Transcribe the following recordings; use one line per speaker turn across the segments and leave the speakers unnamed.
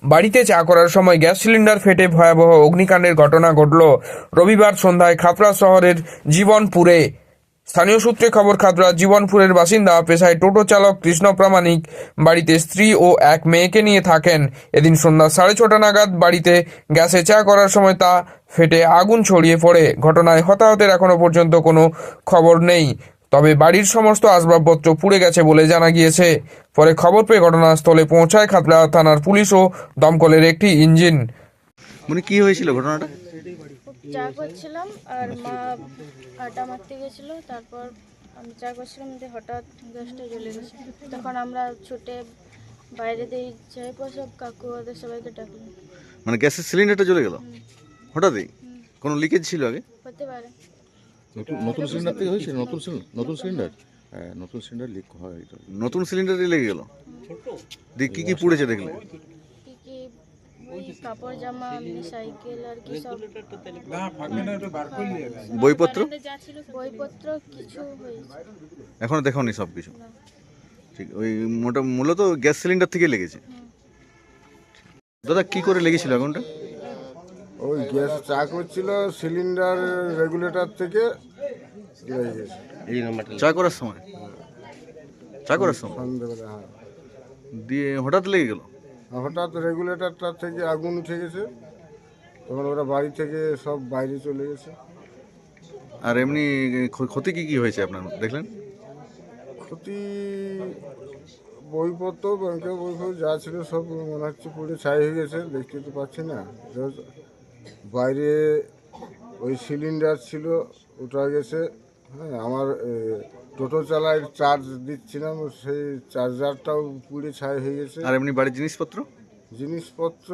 বাড়িতে চা করার সময় গ্যাস সিলিন্ডার ফেটে ভয়াবহ অগ্নিকাণ্ডের ঘটনা ঘটল রবিবার সন্ধ্যায় খাতড়া শহরের জীবনপুরে। স্থানীয় সূত্রে খবর, খাতড়া জীবনপুরের বাসিন্দা পেশায় টোটো চালক কৃষ্ণ প্রামাণিক বাড়িতে স্ত্রী ও এক মেয়েকে নিয়ে থাকেন। এদিন সন্ধ্যা 6:30 নাগাদ বাড়িতে গ্যাসে চা করার সময় তা ফেটে আগুন ছড়িয়ে পড়ে। ঘটনায় হতাহতের এখনো পর্যন্ত কোনো খবর নেই, তবে বাড়ির সমস্ত আসবাবপত্র পুড়ে গেছে বলে জানা গিয়েছে। পরে খবর পেয়ে ঘটনাস্থলে পৌঁছায় খাতড়া থানার পুলিশ ও দমকলের একটি ইঞ্জিন।
মানে কি হয়েছিল ঘটনাটা?
চা করছিলাম আর মা আটা মারতে গেছিল। তারপর আমি চা করছিলাম, হঠাৎ গ্যাসটা জ্বলে গেছে। তখন আমরা ছুটে বাইরে দিয়ে যাই, সব কাকু ওদের সবাইকে ডাকলাম।
মানে গ্যাসের সিলিন্ডারটা জ্বলে গেল হঠাৎই? কোনো লিকেজ ছিল আগে?
হতে পারে।
নতুন সিলিন্ডার থেকে হয়েছে। নতুন সিলিন্ডার, হ্যাঁ নতুন সিলিন্ডার লিক হয়।
নতুন সিলিন্ডারই লেগে গেল? দিয়ে কি কি পুড়েছে দেখলে?
কি কি ওই কাপড় জামা, সাইকেল আর কি সব,
বইপত্র?
বইপত্র কিছু হয়েছে।
এখনো দেখোনি সব কিছু? ঠিক, ওই মূলত গ্যাস সিলিন্ডার থেকে লেগেছে। দাদা কি করে লেগেছিল আগুনটা?
ওই গ্যাস চা করছিল, সিলিন্ডার রেগুলেটর থেকে লেগে গেছে
চা করার সময়? চা করার সময়
সন্ধ্যেবেলা। হ্যাঁ,
দিয়ে হঠাৎ লেগে গেল?
হঠাৎ রেগুলেটরটা থেকে আগুন উঠে গেছে, তখন ওরা বাড়ি থেকে সব বাইরে চলে গেছে।
আর এমনি ক্ষতি কি কি হয়েছে আপনার দেখলেন?
ক্ষতি বইপত্র, ব্যাংকের বইপত্র যা ছিল সব মনে হচ্ছে পুরো ছাই হয়ে গেছে, দেখতে তো পাচ্ছি না। বাইরে ওই সিলিন্ডার ছিল, ওটা গেছে। হ্যাঁ, আমার টোটো চালায় চার্জ দিচ্ছিলাম, সেই চার্জারটাও পুড়ে ছাই হয়ে গেছে।
আর এমনি বাড়ির জিনিসপত্র?
জিনিসপত্র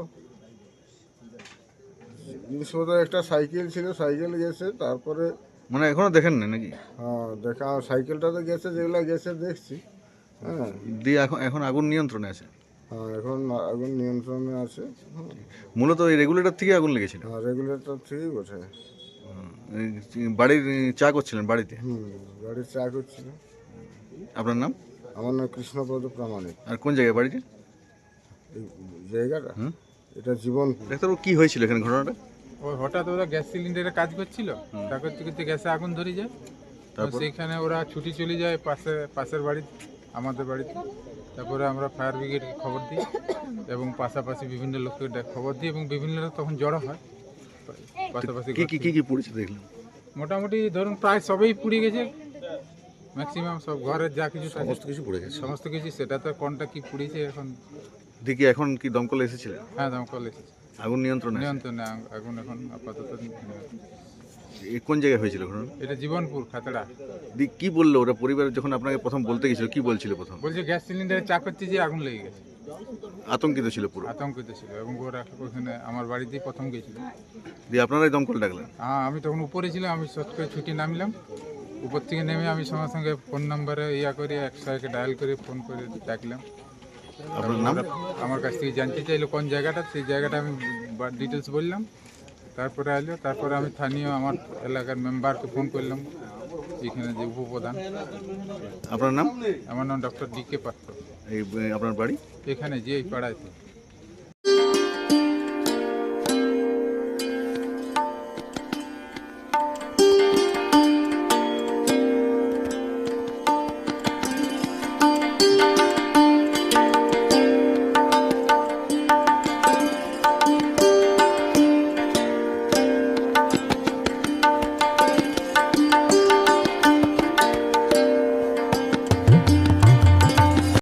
একটা সাইকেল ছিল, সাইকেল গেছে। তারপরে
মানে এখনো দেখেন না নাকি?
হ্যাঁ, দেখা সাইকেলটা তো গেছে, যেগুলো গেছে দেখছি। হ্যাঁ,
দিয়ে এখন আগুন নিয়ন্ত্রণে আছে?
হ্যাঁ, এখন আগুন নিয়ন্ত্রণে আছে।
মূলত ওই রেগুলেটর থেকে আগুন লেগেছিল?
হ্যাঁ, রেগুলেটর থেকেই বোঝে।
বাড়ির চা করছিলেন বাড়িতে?
গাড়ির চা করছিল।
আপনার নাম?
আমার নাম কৃষ্ণপদ প্রামাণিক।
আর কোন জায়গায় বাড়িতে?
এই জায়গাটা এটা জীবনপুর।
ডাক্তারবাবু কি হয়েছিল এখানে ঘটনাটা?
ওই হঠাৎ ওরা গ্যাস সিলিন্ডারে কাজ করছিল, তা করতে করতে গ্যাসে আগুন ধরে যায়। সেইখানে ওরা ছুটি চলে যায় পাশের বাড়ি, আমাদের বাড়িতে। তারপরে আমরা ফায়ার ব্রিগেডকে খবর দিই এবং পাশাপাশি বিভিন্ন লোককে খবর দিই এবং বিভিন্ন লোক তখন জড়ো হয় পাশাপাশি।
কি কি কি কি পড়েছে দেখলাম?
মোটামুটি ধরুন প্রায় সবই পুড়ে গেছে, ম্যাক্সিমাম সব ঘরের যা কিছু থাকে
সমস্ত কিছু পড়ে গেছে।
সমস্ত কিছু। সেটা তো কোনটা কি পুড়েছে এখন।
দেখি এখন কি দমকল এসেছিল?
হ্যাঁ, দমকল এসেছে,
আগুন নিয়ন্ত্রণে আছে?
নিয়ন্ত্রণে আগুন এখন আপাতত।
কোন জায়গায় হয়েছিল ঘটনা?
এটা জীবনপুর, খাতড়া।
কি বললো ওরা পরিবারের যখন আপনাকে প্রথম বলতে গেছিল, কি বলছিল প্রথম?
বলছে গ্যাস সিলিন্ডারে চা করতে যে আগুন লেগে গেছে।
আতঙ্কিত ছিল পুরো?
আতঙ্কিত ছিল এবং ওরা ওখানে আমার বাড়িতেই প্রথম গেছিল।
দিয়ে আপনারাই দমকল ডাকলেন?
হ্যাঁ, আমি তখন উপরে ছিলাম, আমি শর্ট করে ছুটি নামলাম। উপর থেকে নেমে আমি সঙ্গে সঙ্গে ফোন নাম্বারে করে 100-কে ডায়াল করে ফোন করে ডাকলাম।
আপনার নাম?
আমার কাছ থেকে জানতে চাইলো কোন জায়গাটা, সেই জায়গাটা আমি ডিটেলস বললাম। তারপরে এলো, তারপরে আমি স্থানীয় আমার এলাকার মেম্বারকে ফোন করলাম, এখানে যে উপপ্রধান।
আপনার নাম?
আমার নাম ডক্টর DK পাত্র।
এই আপনার বাড়ি
এখানে যে এই পাড়ায়।